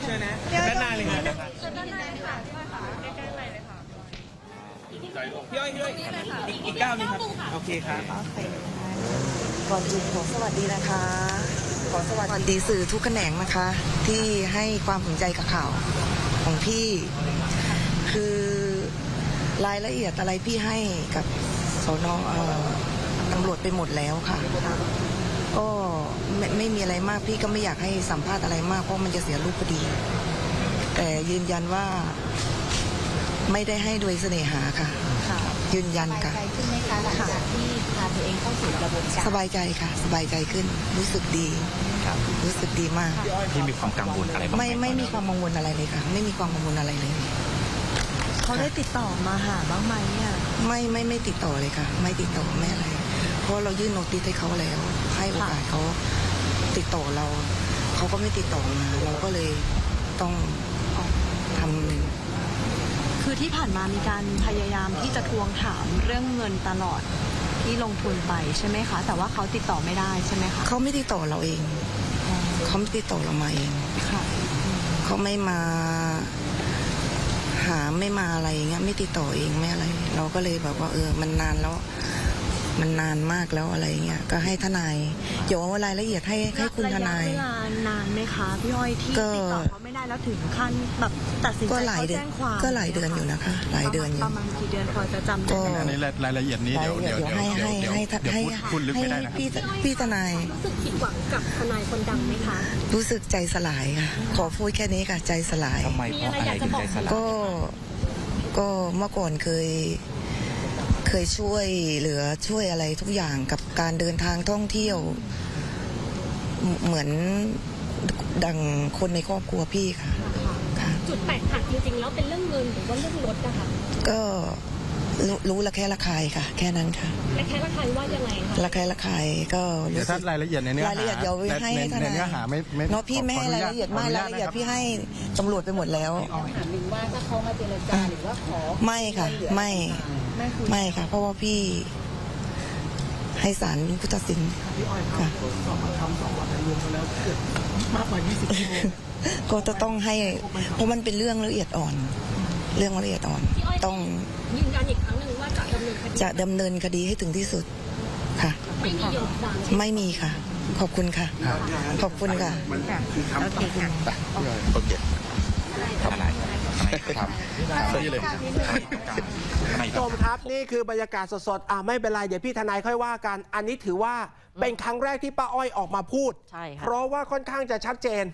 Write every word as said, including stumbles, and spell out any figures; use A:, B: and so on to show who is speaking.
A: เชิญนะด้านหน้าเลยค่ะด้านหน้าเลยค่ะใกล้ๆเลยค่ะพี่อ้อยพี่อ้อยอีกอีกก้าวนึงครับโอเคครับ
B: ก่อนอื่นขอสวัสดีนะคะขอสวัสดีสื่อทุกแขนงนะคะ ที่ให้ความสนใจกับข่าวของพี่คือรายละเอียดอะไรพี่ให้กับสน.ตำรวจไปหมดแล้วค่ะก็ไม่ไม่มีอะไรมากพี่ก็ไม่อยากให้สัมภาษณ์อะไรมากเพราะมันจะเสียรูปคดีแต่ยืนยันว่าไม่ได้ให้โดยเสน่หาค่ะยืนยันค่ะ
C: สบายใจขึ้นไหมคะหลังจากที่พาตัวเองเข้าสู่กระบวนการ
B: สบายใจค่ะสบายใจขึ้นรู้สึกดีรู้สึกดีมาก
D: ที่มีความกังวลอะไรบ้างไหม
B: ไม่ไม่มีความกังวลอะไรเลยค่ะไม่มีความกังวลอะไรเลย
C: เขาได้ติดต่อมาหาบ้างไหมอ่ะ
B: ไม่ไม่ไม่ติดต่อเลยค่ะ ไม่ติดต่อไม่อะไรเพราะเรายื่นโนติสให้เขาแล้ว ให้โอกาสเขาติดต่อเราเขาก็ไม่ติดต่อมาเราก็เลยต้องทำ
C: คือที่ผ่านมามีการพยายามที่จะทวงถามเรื่องเงินตลอดที่ลงทุนไปใช่ไหมคะแต่ว่าเขาติดต่อไม่ได้ใช่ไหมคะ
B: เขาไม่ติดต่อเราเองเขาไม่ติดต่อเรามาเอง
C: ค่ะ
B: เขาไม่มาหาไม่มาอะไรอย่างเงี้ยไม่ติดต่อเองไม่อะไร เราก็เลยแบบว่าเออมันนานแล้วมันนานมากแล้วอะไรเงี้ยก็ให้ทนายเดี๋ยวเอารายละเอียดให้ให้คุณทนาย
C: ระยะเวลานานไหมคะพี่อ้อยที่
B: ก็
C: ติดต่อเขาไม่ได้แล้วถึงขั้นแบบตัดสินใจ
B: ก็หลาย
C: เขา
B: เดือน
C: แจ้งความ
B: ก็หลายเดือนอยู่นะคะ หลายเดือนอยู่
C: ประมาณกี่เดือนพอจะจำได้
B: ก็
C: ไหม
D: อันนี้รายละเอียดนี้เดี๋ยวเดี๋ยว
B: เดี๋ยวให้ให้ให้
D: เดี๋ยว
B: ให้
D: พูดพูดลึกไม่ได้นะ
B: ให้พี่พี่ทนาย
C: รู้สึกผิดหวังกับทนายคนดังไหมคะ
B: รู้สึกใจสลายค่ะขอพูดแค่นี้ค่ะใจสลาย
D: ทำไมเพราะอะไรถึงใจสลาย
B: ก็ก็เมื่อก่อนเคย เคยช่วยเหลือช่วยอะไรทุกอย่างกับการเดินทางท่องเที่ยวเหมเหมือนดังคนในครอบครัวพี่ค่ะค่ะ
E: จุดแตกหักจริงๆแล้วเป็นเรื่องเงินหรือว่าเรื่องรถอะค่ะ
B: ก็รู้รู้ละแค่ละคายค่ะ แค่นั้นค่ะ
E: และแค่ละใครว่ายังไงคะ
B: ละแค่ละคายก็
D: เดี๋ยว
B: รู้สึ
D: ถ้าก รายละเอียดในเนื้อหาร
B: ายละเอียดเดี๋ยวให้
D: ใน
B: ให้ท
D: ใน
B: นาย
D: เนื้อหาไม่ไม่
B: เนาะพี่ไม่ให้
D: ขอ
B: ราย
D: นุญต
B: ละเอียดมาก
D: ขนุญ
B: ราย
D: ต
B: ละเอียด
D: นคบ
B: พี่ให้ตำรวจไปหมดแล้ว
C: ถามหนึ่งว่าถ้าเขามาเจรจาหรือว่าขอ
B: ไม่ค่ะ ไม่ไม่ค่ะ เพราะว่าพี่ให้ศาลเป็นผู้ตัดสินค่ะก็จะต้องให้เพราะมันเป็นเรื่องละเอียดอ่อน เรื่องละเอียดอ่อน ต้อง
E: ยืนยันอีกครั้งหนึ่งว่าจะดำเนินคดี
B: จะดำเนินคดีให้ถึงที่สุดค่ะ
E: ไม่มียอมความ
B: ไม่มีค่ะ ขอบคุณค่ะ ขอบคุณค่ะ
D: โอเคทำอะไรทำนี่เลย
A: ชมครับนี่คือบรรยากาศสดๆอ่าไม่เป็นไรเดี๋ยวพี่ทนายค่อยว่ากัน อันนี้ถือว่าเป็นครั้งแรกที่ป้าอ้อยออกมาพูด
B: ใช่ค่ะ
A: เพราะว่าค่อนข้างจะชัดเจน